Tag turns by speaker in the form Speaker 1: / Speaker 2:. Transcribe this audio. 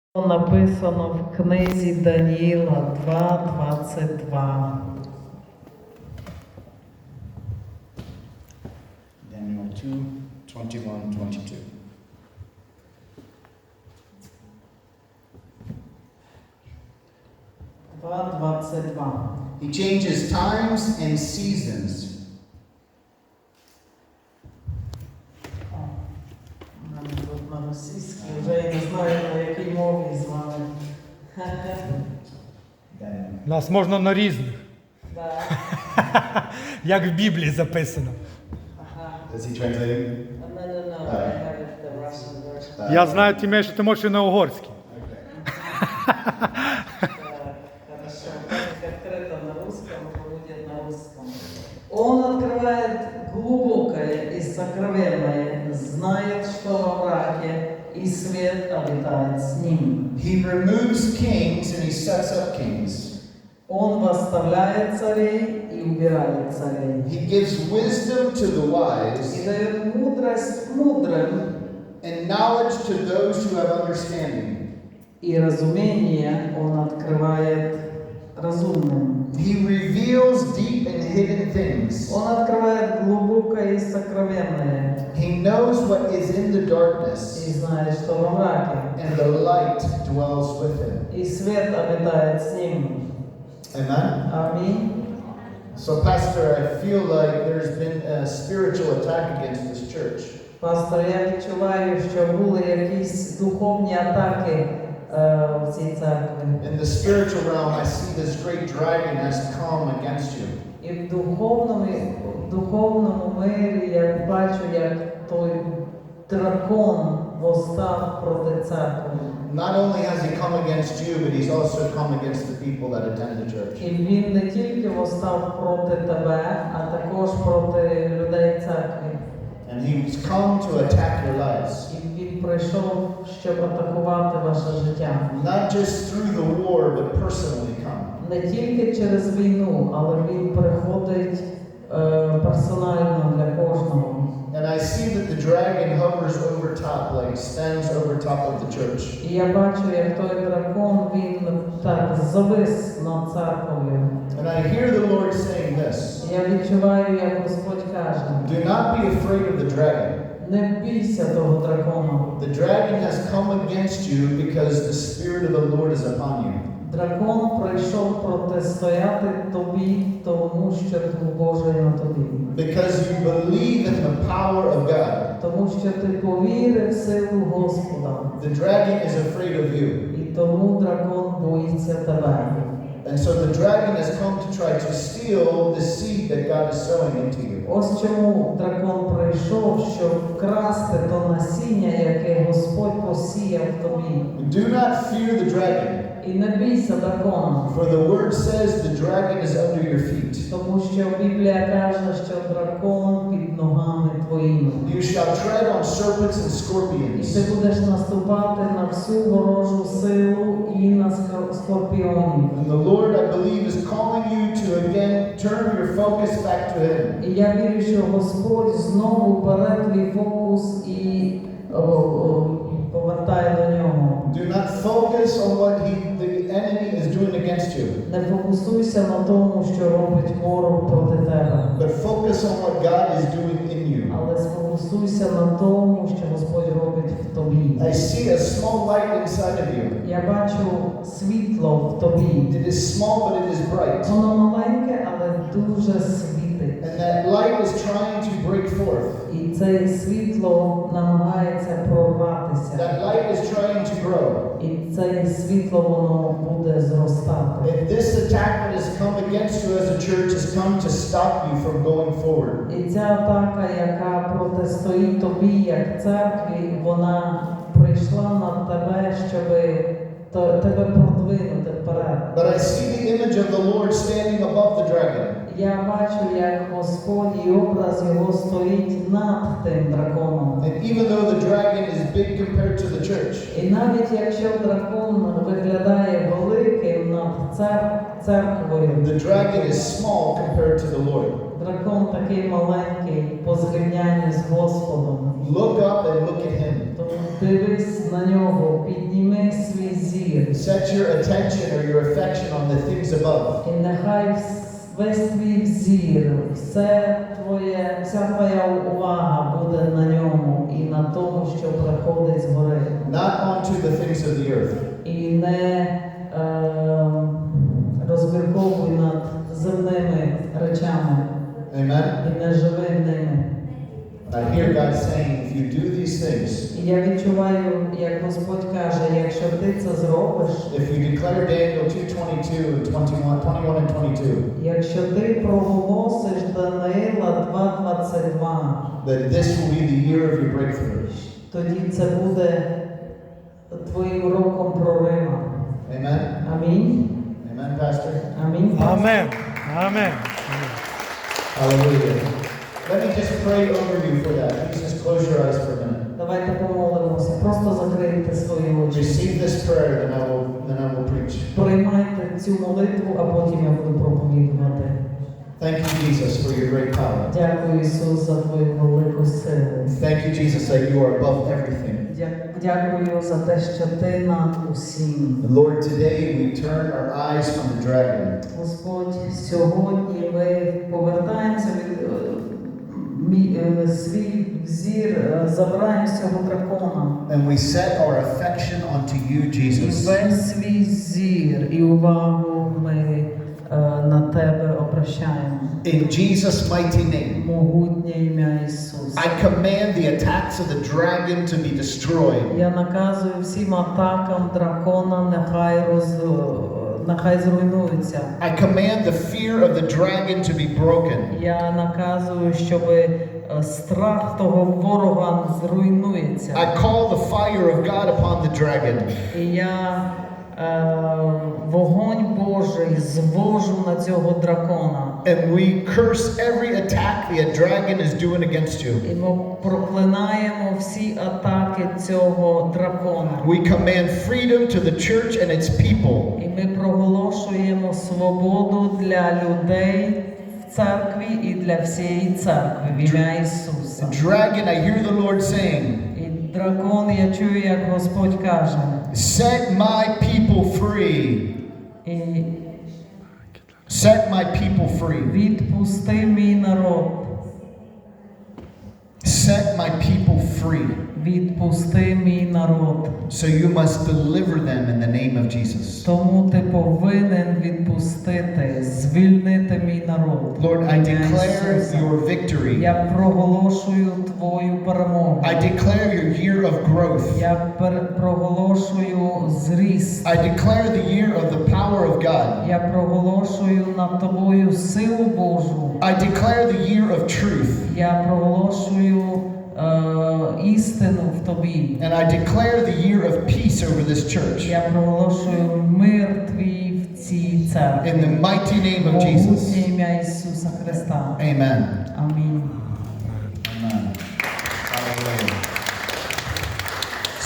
Speaker 1: Написано в книзі Даніїла 2:22.
Speaker 2: Daniel 2:21-22. He changes times and seasons.
Speaker 1: Тут на російській, вже я не знаю, на якій мові з вами.
Speaker 3: Нас можна на різних.
Speaker 1: Да.
Speaker 3: Як в Біблії записано.
Speaker 2: Is he translating?
Speaker 1: No, I have it, the Russian version.
Speaker 3: Я знаю, Тімей, що ти можеш і на угорській.
Speaker 1: Хорошо, как открыто на русском, будет на русском. Он открывает глубокое и сокровенное, знает, что во мраке, и свет обитает с ним.
Speaker 2: He removes kings and he sets up kings.
Speaker 1: Он восставляет царей и убирает царей.
Speaker 2: He gives wisdom to the
Speaker 1: И
Speaker 2: wise
Speaker 1: дает мудрость мудрым,
Speaker 2: and knowledge to those who have understanding.
Speaker 1: и разумение он открывает разумным.
Speaker 2: He reveals deep and hidden things.
Speaker 1: Он открывает глубокое и сокровенное,
Speaker 2: He knows what is in the darkness,
Speaker 1: и знает, что во мраке,
Speaker 2: and the light dwells with him.
Speaker 1: и свет обитает с ним.
Speaker 2: Amen?
Speaker 1: Аминь.
Speaker 2: So, Pastor, I feel like there's been a spiritual attack against this church.
Speaker 1: Пастор, я відчуваю, що були якісь духовні атаки в цій церкві.
Speaker 2: In the spiritual realm, I see this great dragon has come against you.
Speaker 1: І в духовному мирі я бачу, як той дракон восстав проти церкви.
Speaker 2: Not only has he come against you, but he's also come against the people that attend the church.
Speaker 1: І він не тільки восстав проти тебе, а також проти людей церкви.
Speaker 2: And he's come to attack your lives.
Speaker 1: І він прийшов, щоб атакувати ваше життя.
Speaker 2: Not just through the war, but personally come.
Speaker 1: Не тільки через війну, але він приходить персонально для кожного.
Speaker 2: And I see that the dragon hovers over top, like stands over top of the church.
Speaker 1: І я бачу, як той дракон, він так завис над церквою.
Speaker 2: And I hear the Lord saying this.
Speaker 1: Я відчуваю, як Господь каже:
Speaker 2: Do not be afraid of the dragon.
Speaker 1: не бійся того дракона.
Speaker 2: The dragon has come against you because the Spirit of the Lord is upon you.
Speaker 1: Дракон прийшов протистояти тобі, тому що Дух Божий на тобі.
Speaker 2: Because you believe in the power of God.
Speaker 1: Тому що ти повірив в силу Господа.
Speaker 2: The dragon is afraid of you.
Speaker 1: І тому дракон боїться тебе.
Speaker 2: And so the dragon has come to try to steal the seed that God is sowing into you.
Speaker 1: Ось чому дракон прийшов, щоб вкрасти то насіння, яке Господь посіяв тобі.
Speaker 2: Do not fear the dragon,
Speaker 1: І не бійся дракона,
Speaker 2: for the word says the dragon is under your feet.
Speaker 1: тому що Біблія каже, що дракон під ногами твоїми.
Speaker 2: You shall tread on serpents and
Speaker 1: І
Speaker 2: scorpions.
Speaker 1: ти будеш наступати на всю ворожу силу і на скорпіонів.
Speaker 2: And the Lord, I believe, is calling you to again turn your focus back to Him.
Speaker 1: І я вірю, що Господь знову бере твій фокус і повертає до нього.
Speaker 2: Do not focus on what the enemy is doing against you,
Speaker 1: Не фокусуйся на тому, що робить ворог проти тебе,
Speaker 2: but focus on what God is doing in you.
Speaker 1: але сфокусуйся на тому, що Господь робить в тобі.
Speaker 2: I see a small light inside of you.
Speaker 1: Я бачу світло в тобі.
Speaker 2: It is small, but it is bright.
Speaker 1: Воно маленьке, але дуже світить.
Speaker 2: And that light is trying to break forth.
Speaker 1: І це світло намагається прорватися.
Speaker 2: That light is trying to grow.
Speaker 1: І це світло воно буде зростати.
Speaker 2: And this attack that has come against you as a church has come to stop you from going forward.
Speaker 1: І ця атака, яка протистоїть тобі як церкві, вона прийшла на тебе, щоб тебе продвинути вперед.
Speaker 2: But I see the image of the Lord standing above the dragon.
Speaker 1: Я бачу, як Господь і образ його стоїть над тим драконом.
Speaker 2: And even though the dragon is big compared to the church,
Speaker 1: І навіть якщо дракон виглядає великим над церквою,
Speaker 2: the dragon is small compared to the Lord.
Speaker 1: дракон такий маленький по зрівнянні з Господом.
Speaker 2: Look up and look at him.
Speaker 1: Тому Дивись на нього, підніми свій зір.
Speaker 2: Set your attention or your affection on the things above.
Speaker 1: І нехай весь твій взір, вся твоя увага буде на ньому і на тому, що приходить згори.
Speaker 2: Not onto the things of the earth.
Speaker 1: І не розмірковуй над земними речами
Speaker 2: Amen.
Speaker 1: і не живи ними.
Speaker 2: I hear God saying, if you do these things,
Speaker 1: І я відчуваю, як Господь каже, якщо ти це зробиш,
Speaker 2: if you declare Daniel 2:22 and 21 and 22,
Speaker 1: якщо ти проголосиш Даниїла 2:22,
Speaker 2: that this will be the year of your breakthrough.
Speaker 1: тоді це буде твоїм роком прорива.
Speaker 2: Amen.
Speaker 1: Амінь.
Speaker 2: Amen, Pastor.
Speaker 1: Амінь.
Speaker 3: Амен. Амен.
Speaker 2: Hallelujah. Let me just pray over you for that. Please just close your eyes for a minute.
Speaker 1: Давайте помолимося. Просто закрийте свої очі.
Speaker 2: Receive this prayer, then I will preach.
Speaker 1: Приймайте цю молитву, а потім я буду проповідувати.
Speaker 2: Thank you, Jesus, for your great power.
Speaker 1: Дякую, Ісус, за твою велику силу.
Speaker 2: Thank you, Jesus, that you are above everything.
Speaker 1: Дякую за те, що ти над усім.
Speaker 2: Lord, today we turn our eyes from the dragon.
Speaker 1: Господь, сьогодні ми повертаємося від свій взір, забираємо з цього дракона.
Speaker 2: And we set our affection onto you,
Speaker 1: І
Speaker 2: Jesus.
Speaker 1: весь свій зір і увагу ми на тебе обращаємо.
Speaker 2: In Jesus' mighty name,
Speaker 1: Могутнє ім'я Ісуса.
Speaker 2: I command the attacks of the dragon to be destroyed.
Speaker 1: Я наказую всім атакам дракона, нехай зруйнуються.
Speaker 2: I command the fear of the dragon to be broken.
Speaker 1: Я наказую, щоб страх того ворога зруйнується.
Speaker 2: I call the fire of God upon the dragon.
Speaker 1: І я вогонь Божий звожу на цього дракона.
Speaker 2: And we curse every attack the dragon is doing against you.
Speaker 1: І ми проклинаємо всі атаки цього дракона.
Speaker 2: We command freedom to the church and its people.
Speaker 1: І ми проголошуємо свободу для людей в церкві і для всієї церкви в ім'я Ісуса.
Speaker 2: The dragon, I hear the Lord saying,
Speaker 1: І дракон, я чую, як Господь каже,
Speaker 2: set my people free.
Speaker 1: і
Speaker 2: Set my people free.
Speaker 1: відпусти мій народ.
Speaker 2: Set my people free.
Speaker 1: Відпусти мій народ.
Speaker 2: So you must deliver them in the name of Jesus.
Speaker 1: Тому ти повинен відпустити, звільнити мій народ.
Speaker 2: Lord, I
Speaker 1: Ім'я
Speaker 2: declare
Speaker 1: Ісуса.
Speaker 2: your victory.
Speaker 1: Я проголошую твою перемогу.
Speaker 2: I declare your year of growth.
Speaker 1: Я проголошую зріст.
Speaker 2: I declare the year of the power of God.
Speaker 1: Я проголошую над тобою силу Божу.
Speaker 2: I declare the year of truth.
Speaker 1: Я проголошую істину в тобі.
Speaker 2: And I declare the year of peace over this church.
Speaker 1: Я проголошую мир твій в цій церкві.
Speaker 2: In the mighty name of Jesus.
Speaker 1: Могутнє ім'я Ісуса Христа.
Speaker 2: Amen.
Speaker 1: Амінь.
Speaker 2: Amen.